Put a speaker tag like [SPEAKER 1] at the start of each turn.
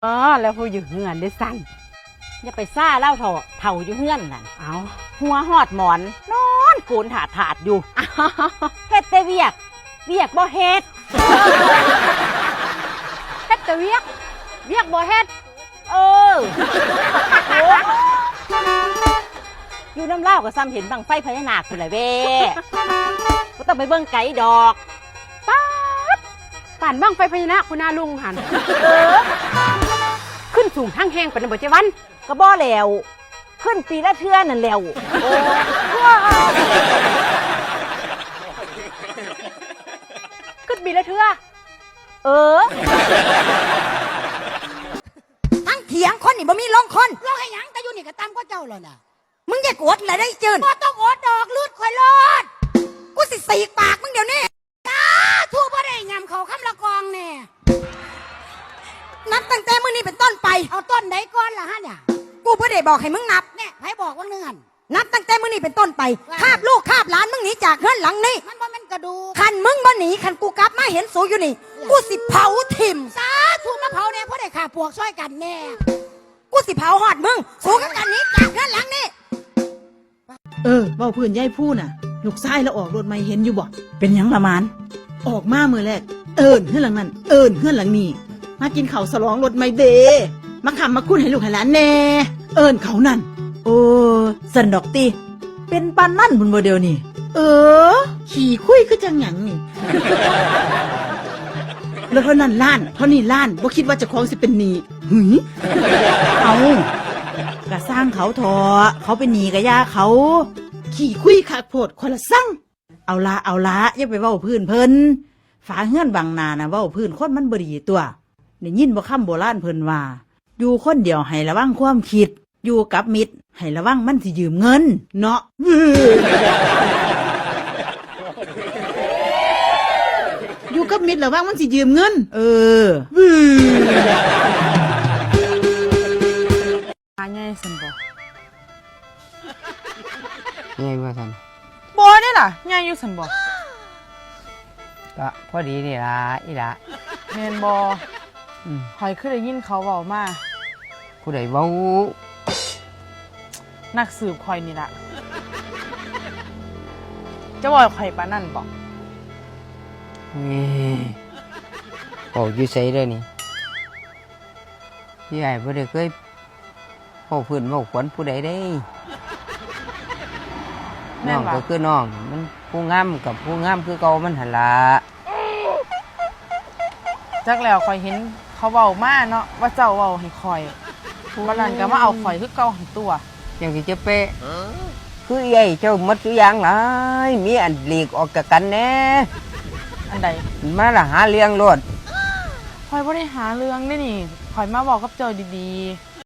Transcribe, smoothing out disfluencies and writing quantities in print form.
[SPEAKER 1] อ๋อแล้วผู้อยู่เฮือนได้สั่นอย่าไปซ่าเล่าเถ่าอยู่เฮือนนั่นเอาหัวหอดหมอนนอนโกนถาดอยู่เฮ็ดแต่เวียกบ่เฮ็ดเฮ็ดแต่เวียกบ่เฮ็ดเอออยู่น้ำเล่าก็ซ้ำเห็นบังไฟพญานาคพุ่นแหละเว้ก็ต้องไปเบิ่งไกดอก
[SPEAKER 2] ป่านบ้างไฟพญานาคคุณนาลุงหันขึ้นสูงทั้งแห้งปานบ่เจวัน
[SPEAKER 1] ก็บ่แล้วขึ้นปีละเทื่อนั่นแล้วโอ้
[SPEAKER 2] ขึ้นปีละเทื่อ
[SPEAKER 3] ทั้งเถียงคนนี่บ่มีลงคน
[SPEAKER 4] ลงให้หยังแต่อยู่นี่ก็ตามก็เจ้าแล้วน่ะ
[SPEAKER 3] มึงอย่ากดเลยได้จืน
[SPEAKER 4] บ่ต้องอดดอกลืดข่อยรอด
[SPEAKER 3] กูสิสีกปากมึงเดี๋ยวนี้
[SPEAKER 4] ทั่วบ่ได้ยำเขาคำละกองแน่
[SPEAKER 3] นับตั้งแต่มื้อนี้เป็นต้นไป
[SPEAKER 4] เอาต้นไหนก่อนล่ะฮะเนี่ย
[SPEAKER 3] กูบ่ได้บอกให้มึงนับ
[SPEAKER 4] เนี่ยไผบอกว่าเนื่อน
[SPEAKER 3] นับตั้งแต่มื้อนี้เป็นต้นไปคาบลูกคาบหลานมึงหนีจากเฮือนหลังนี้
[SPEAKER 4] มันบ่แม่นกระดูก
[SPEAKER 3] คันมึงบ่หนีคันกูกลับมาเห็นสูอยู่นี่กูสิเผาถิ่ม
[SPEAKER 4] สาธุมาเผาแน่เพราะได้ฆ่าปวกช่วยกันแน่
[SPEAKER 3] กูสิเผาหอดมึงสูกับกันหนีจากเฮือนหลังนี้
[SPEAKER 5] เว้าพื้นยายพูน่ะลูกชายแล้วออกรถไม่เห็นอยู่บ่
[SPEAKER 1] เป็นหยังละมาน
[SPEAKER 5] ออกมามื้อแรกเฮือนหลังนั้นเฮือนหลังนี้มากินข้าวสลองรถไม่เดมาขำมาคุ้นให้ลูกให้หลานแน่เขานั่น
[SPEAKER 1] โอ้สันดอกติเป็นปานนั่นบุญบ่เดียวนี่
[SPEAKER 5] ขี่คุยคือจังหยังนี่ แล้วเท่านั้นล้านเท่านี้ล้านบ่คิดว่าเจ้าของสิเป็นหนี้หึ
[SPEAKER 1] เอากะสร้างเขาทอเขาเป็นหนี้กะย่าเขา
[SPEAKER 5] ขี่คุยคักโพดคนละสั่ง
[SPEAKER 1] เอาละอย่าไปเว้าพื้นเพิ่นฝาเฮือนบางนานะเว้าพื้นคนมันบ่ดีตัวได้ยินบ่คำโบราณเพิ่นว่าอยู่คนเดียวให้ระวังความคิดอยู่กับมิตรให้ระวังมันสิยืมเงินเนาะ
[SPEAKER 5] อยู่กับมิตรระวังมันสิยืมเงิน
[SPEAKER 2] ง่ายสันบ่
[SPEAKER 6] ง่ายว่าสัน
[SPEAKER 2] บ่ได้ล่ะง่ายอยู่สันบ่
[SPEAKER 6] ก็พอดีนี่ล่ะอีล่ะ
[SPEAKER 2] แม่นบ่ข่อยคือได้ยินเขาเว้ามา
[SPEAKER 6] ผู้ใดเว้า
[SPEAKER 2] นักสืบข่อยนี่ล่ะจะบอกข่อยปานนั่นบ่
[SPEAKER 6] บอกอยู่ไสเด้อนี่พี่ใหญ่บ่ได้เคยเว้าพื้นเว้าขวัญผู้ใดได้น้องก็คือน้องมันผู้งามกับผู้งามคือเก่ามันหั่นล่ะ
[SPEAKER 2] จักแล้วข่อยเห็นเขาเว้ามาเนาะว่าเจ้าเว้าให้ข่อยวันนั้นก็มาเอาข่อยคือเก่าหันตัว
[SPEAKER 6] จังสิจะเป๊ะคือใหญ่เจ้าหมดทุกอย่างหลายมีอันหลีกออกจากกันแน่
[SPEAKER 2] อันใด
[SPEAKER 6] มาละหาเลี้ยงรถ
[SPEAKER 2] ข่อยบ่ได้หาเรื่องนี่ข่อยมาบอกกับเจ้าดีๆ